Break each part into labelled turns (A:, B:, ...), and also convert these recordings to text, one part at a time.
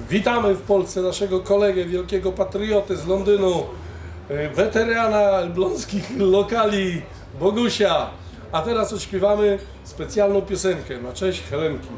A: Witamy w Polsce naszego kolegę, wielkiego patriotę z Londynu, weterana elbląskich lokali, Bogusia. A teraz odśpiewamy specjalną piosenkę na cześć Helenki.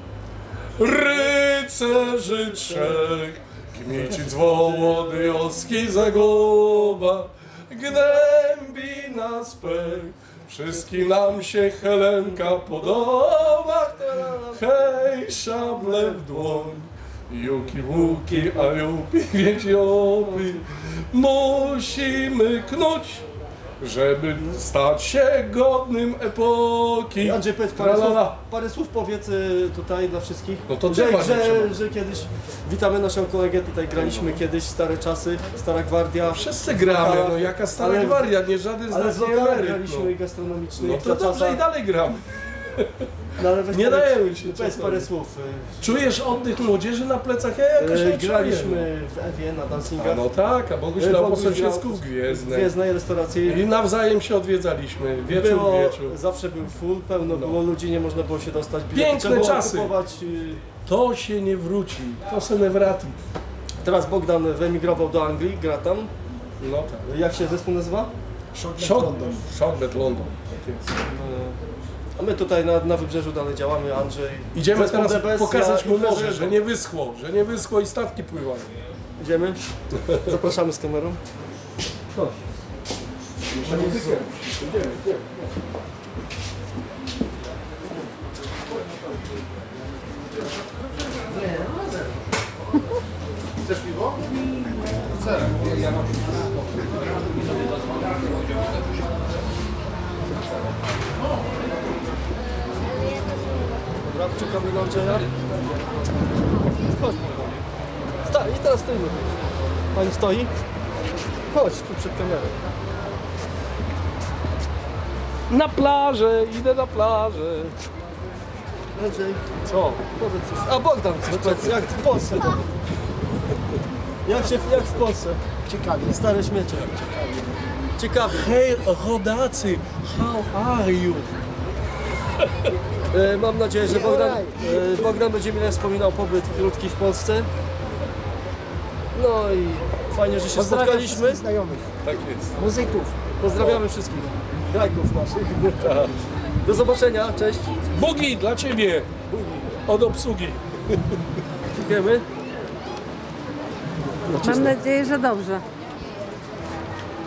A: Rycerzy trzech, Kmicic Wołodyjowski zagoba, gnębi nas pech, wszystkim nam się Helenka podoba. Hej, szable w dłoń, juki łuki, a jupi wiedziopy, musimy knuć, żeby stać się godnym epoki.
B: Andrzej, powiedz parę słów powiedz tutaj dla wszystkich,
A: No to trzeba,
B: że kiedyś witamy naszą kolegę, tutaj graliśmy kiedyś, stare czasy, stara gwardia.
A: Wszyscy gramy, no jaka stara gwardia, nie żaden z
B: Ale
A: nas
B: z
A: nie
B: lokalem
A: emeryt.
B: graliśmy i gastronomiczny.
A: No to dobrze i dalej gramy.
B: No, ale weź
A: Nie
B: powiedz-
A: dajemy się
B: Powiedz
A: czasami.
B: parę słów.
A: Czujesz oddech młodzieży na plecach? Ja jakoś nie czuję.
B: Graliśmy w Ewie na
A: A
B: dancingach.
A: no tak, a Boguś grał po
B: Boguś
A: sąsiedzku
B: grał
A: w Gwiezdnej.
B: Gwiezdnej restauracji.
A: I nawzajem się odwiedzaliśmy, wieczór w wieczór.
B: Zawsze był full, pełno
A: No.
B: było ludzi, nie można było się dostać. Bilety
A: Piękne
B: trzeba było
A: czasy.
B: kupować.
A: To się nie wróci, to se nie wrati.
B: Teraz Bogdan wyemigrował do Anglii, gra tam.
A: No tak.
B: Jak się zespół nazywa?
A: Shockbed London. Tak jest.
B: A my tutaj na wybrzeżu dalej działamy, Andrzej.
A: Idziemy
B: Zespół
A: teraz
B: DBS,
A: pokazać
B: ja
A: mu
B: i
A: morze,
B: Andrzej.
A: że nie wyschło i statki pływają.
B: Idziemy. Zapraszamy z kamerą. Chodź.
C: Chcesz piwo? Chcę.
B: Dobra, czekamy na Andrzeja. Chodź. I teraz stoimy. Pani stoi? Chodź tu przed kamerą.
A: Na plażę, idę na plażę.
B: Andrzej,
A: Co?
B: powiedz coś. A Bogdan coś powiedz, jak w Polsce. Jak w Polsce?
C: Ciekawie.
B: Stare śmiecie. Ciekawie.
A: Hej, rodacy, how are you?
B: Mam nadzieję, że Bogdan będzie mi wspominał pobyt krótki w Polsce. No i fajnie, że się
C: Pozdrawiam
B: spotkaliśmy.
C: wszystkich znajomych,
A: Tak jest.
C: muzyków.
B: Pozdrawiamy wszystkich grajków naszych. Do zobaczenia, cześć.
A: Bugi dla ciebie, od obsługi.
B: Dziękujemy.
D: Mam nadzieję, że dobrze.